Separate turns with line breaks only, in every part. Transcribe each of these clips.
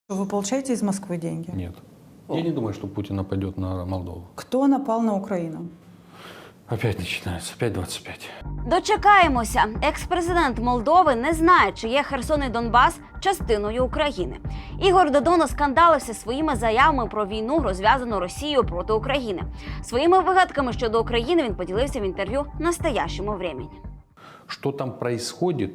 Вы получаете из Москвы деньги?
Нет. Я не думаю, что Путин нападет на Молдову.
Кто напал на Украину?
Опять начинается. Опять 25.
Дочекаємося. Екс-президент Молдови не знає, чи є Херсон і Донбас частиною України. Ігор Додон оскандалився своїми заявами про війну, розв'язану Росією проти України. Своїми вигадками щодо України він поділився в інтерв'ю «Настоящему времени».
Что там происходит,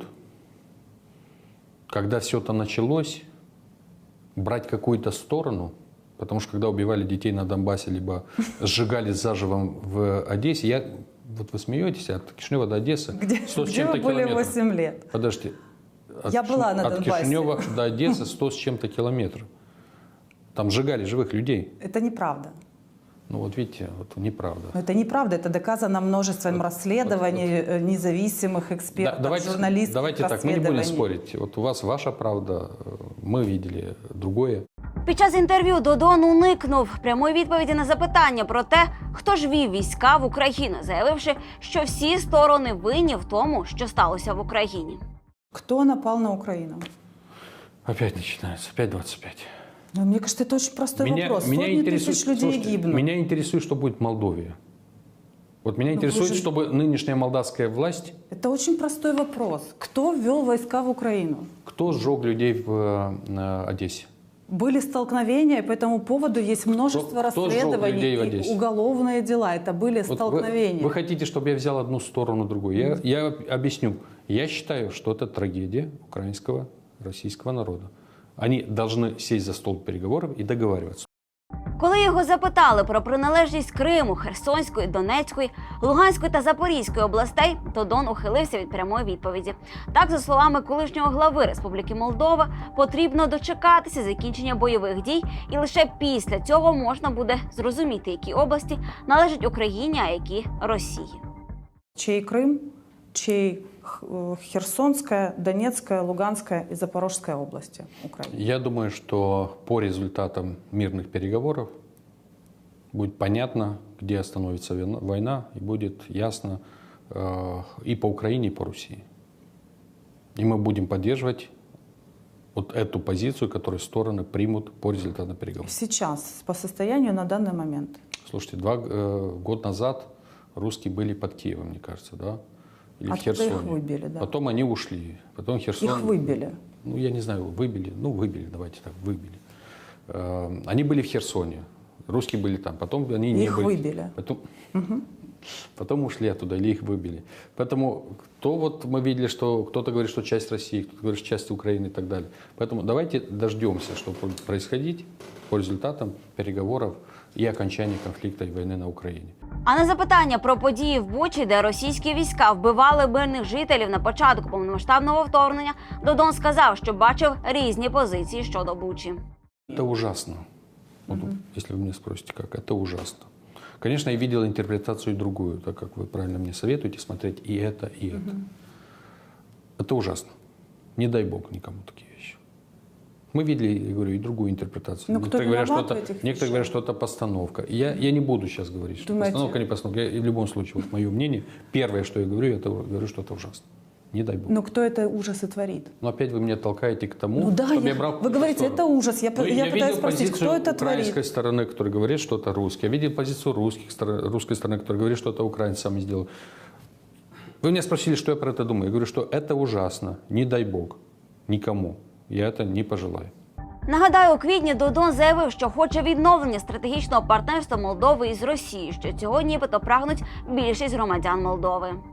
когда все это началось, брать какую-то сторону, потому что когда убивали детей на Донбассе, либо сжигали заживо в Одессе, вот вы смеетесь, от Кишинева до Одессы,
Где
100 с
вы
чем-то
были
километров.
8 лет?
Подожди.
Я была на
От
Донбассе.
Кишинева до Одессы 100 с чем-то километров. Там сжигали живых людей.
Это неправда.
Ну вот видите, вот неправда.
Но это неправда, это доказано множеством расследований независимых экспертов, журналистов.
Давайте так, мы не будем спорить. Вот у вас ваша правда, мы видели другое.
Під час інтерв'ю Додон уникнув прямої відповіді на запитання про те, хто ж вів війська в Україну, заявивши, що всі сторони винні в тому, що сталося в Україні.
Кто напал на Украину?
Опять начинается, опять 25.
Ну, мне кажется, это очень простой вопрос. Сотни тысяч людей
слушайте,
гибнут.
меня интересует, что будет в Молдове. Вот меня интересует, чтобы нынешняя молдавская власть...
Это очень простой вопрос. Кто ввел войска в Украину?
Кто сжег людей в Одессе?
Были столкновения, и по этому поводу есть множество
Кто сжег людей в
расследований и
Одессе?
уголовные дела. Это были
Вот
столкновения.
вы хотите, чтобы я взял одну сторону, другую? Я объясню. Я считаю, что это трагедия украинского, российского народа. Они должны сесть за стол переговоров и договариваться.
Коли його запитали про приналежність Криму, Херсонської, Донецької, Луганської та Запорізької областей, Додон ухилився від прямої відповіді. Так, за словами колишнього глави Республіки Молдова, потрібно дочекатися закінчення бойових дій, і лише після цього можна буде зрозуміти, які області належать Україні, а які – Росії.
Чей Крым, чей Херсонская, Донецкая, Луганская и Запорожская области Украины?
Я думаю, что по результатам мирных переговоров будет понятно, где остановится война, и будет ясно и по Украине, и по России. И мы будем поддерживать вот эту позицию, которую стороны примут по результатам переговоров.
Сейчас, по состоянию на данный момент.
Слушайте, год назад русские были под Киевом, мне кажется, да? Или в
Откуда
Херсоне.
их выбили, да?
Потом они ушли. Потом Херсон...
Их выбили.
Ну, я не знаю, выбили. Ну, выбили, давайте так, выбили. Они были в Херсоне. Русские были там. Потом они не
их
были.
Выбили.
Потом ушли оттуда, или их выбили. Поэтому мы видели, что кто-то говорит, что часть России, кто-то говорит, что часть Украины и так далее. Поэтому давайте дождемся, что будет происходить по результатам переговоров и окончания конфликта и войны на Украине.
А на запитання про події в Бучі, де російські війська вбивали мирних жителів на початку повномасштабного вторгнення, Додон сказав, що бачив різні позиції щодо Бучі.
Это ужасно. Вот, если вы меня спросите, как, это ужасно. Конечно, я видел интерпретацию другую, так как вы правильно мне советуете смотреть и это, и это. Это ужасно. Не дай бог никому такие вещи. Мы видели, я говорю, и другую интерпретацию.
Но кто виноват в этих
некоторые
вещах?
говорят, что это постановка. Я не буду сейчас говорить, что
Думаете?
постановка, не постановка. В любом случае, вот мое мнение, первое, что я говорю, что это ужасно. Не дай бог.
Но кто это ужасы творит?
Но опять вы меня толкаете к тому,
Ну да,
чтобы я брал
вы говорите,
сторону.
это ужас. Я пытаюсь
видел
спросить,
позицию
кто это
украинской
творит?
стороны, которая говорит, что это русские. Я видел позицию русской стороны, которая говорит, что это украинцы сами сделали. Вы меня спросили, что я про это думаю. Я говорю, что это ужасно. Не дай бог. Никому. Я это не пожелаю.
Нагадаю, у квітні Додон заявив, що хоче відновлення стратегічного партнерства Молдови із Росією, що цього нібито прагнуть більшість громадян Молдови.